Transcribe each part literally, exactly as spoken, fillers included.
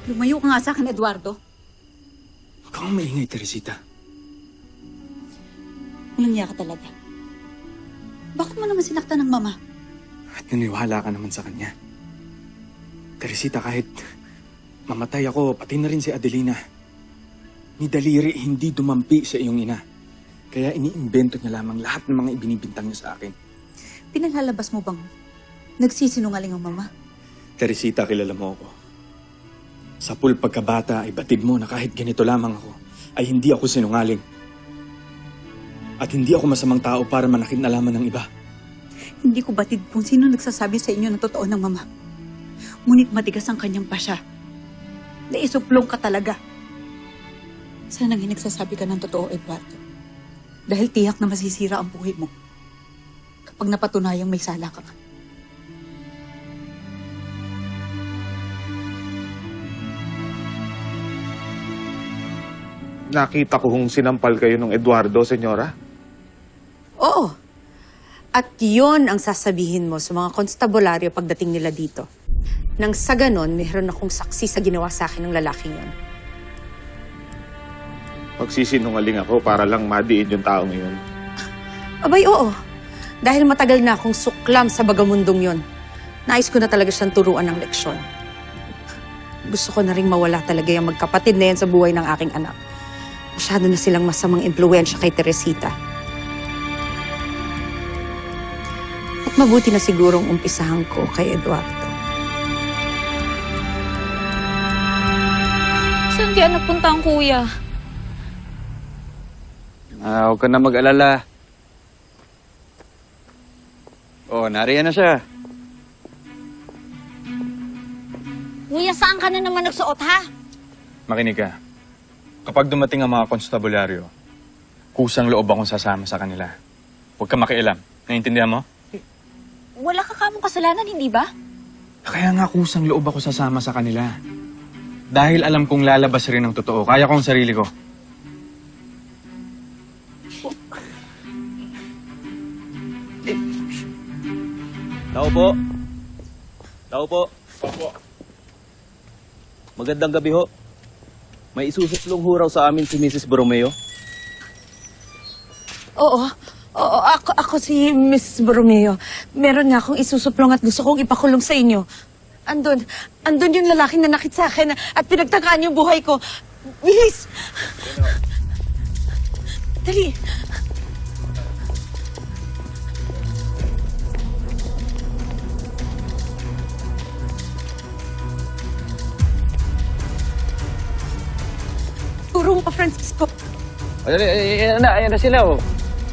Lumayo ka nga sa akin, Eduardo. Huwag kang maingay, Teresita. Walang niya ka talaga. Bakit mo naman sinaktan ng mama? At naniwala ka naman sa kanya. Teresita, kahit mamatay ako, pati na rin si Adelina. Ni Daliri hindi dumampi sa iyong ina. Kaya iniimbento niya lamang lahat ng mga ibinibintang niya sa akin. Pinaglalabas mo bang nagsisinungaling ang mama? Teresita, kilala mo ako. Sa pool pagkabata ay batid mo na kahit ganito lamang ako, ay hindi ako sinungaling. At hindi ako masamang tao para manakit na laman ng iba. Hindi ko batid kung sino nagsasabi sa inyo ng totoo ng mama. Ngunit matigas ang kanyang pasya. Naisuplong ka talaga. Sana nga nagsasabi ka ng totoo, Eduardo. Dahil tiyak na masisira ang buhay mo kapag napatunayang may sala ka. Nakita ko kung sinampal kayo ng Eduardo, senyora. Oo. At yon ang sasabihin mo sa mga konstabularyo pagdating nila dito. Nang sa ganon, mayroon akong saksi sa ginawa sa akin ng lalaking yon. Magsisinungaling ako para lang madiin yung taong yun. Abay, oo. Dahil matagal na akong suklam sa bagamundong yon. Nais ko na talaga siyang turuan ng leksyon. Gusto ko na rin mawala talaga yung magkapatid na yan sa buhay ng aking anak. Masyado na silang masamang impluwensya kay Teresita. At mabuti na sigurong umpisahan ko kay Eduardo. Saan kaya napunta ang kuya? Ah, huwag ka na mag-alala. Oh, nariyan na siya. Kuya, saan ka na naman nagsuot, ha? Makinig ka. Kapag dumating ang mga konstabularyo, kusang loob akong sasama sa kanila. Huwag ka makialam. Naiintindihan mo? Wala ka kamong kasalanan, hindi ba? Kaya nga kusang loob ako sasama sa kanila. Dahil alam kong lalabas rin ang totoo. Kaya ko ang sarili ko. Tao po. Tao po. Opo. Magandang gabi ho. May isusuplong huraw sa amin si Missus Borromeo. Oo. Oo, ako, ako si Miss Borromeo. Meron nga akong isusuplong at gusto kong ipakulong sa inyo. Andun. Andun yung lalaking nanakit sa akin at pinagtakaan yung buhay ko. Bilis! Dali. Turo mo pa, Francisco. Ayan, ayan na, ayan na sila, oh.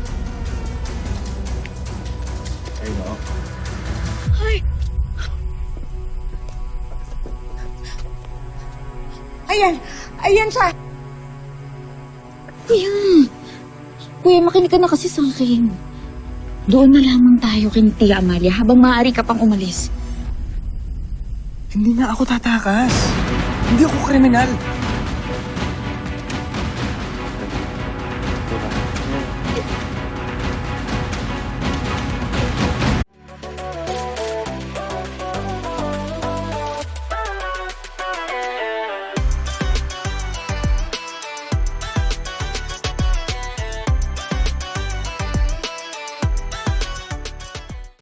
Ayun o. Ay. Ayan. Ayan siya. Kuya. Kuya, makinig ka na kasi sa akin. Doon na lamang tayo kay Tia Amalia habang maaari ka pang umalis. Hindi nga ako tatakas. Hindi ako kriminal.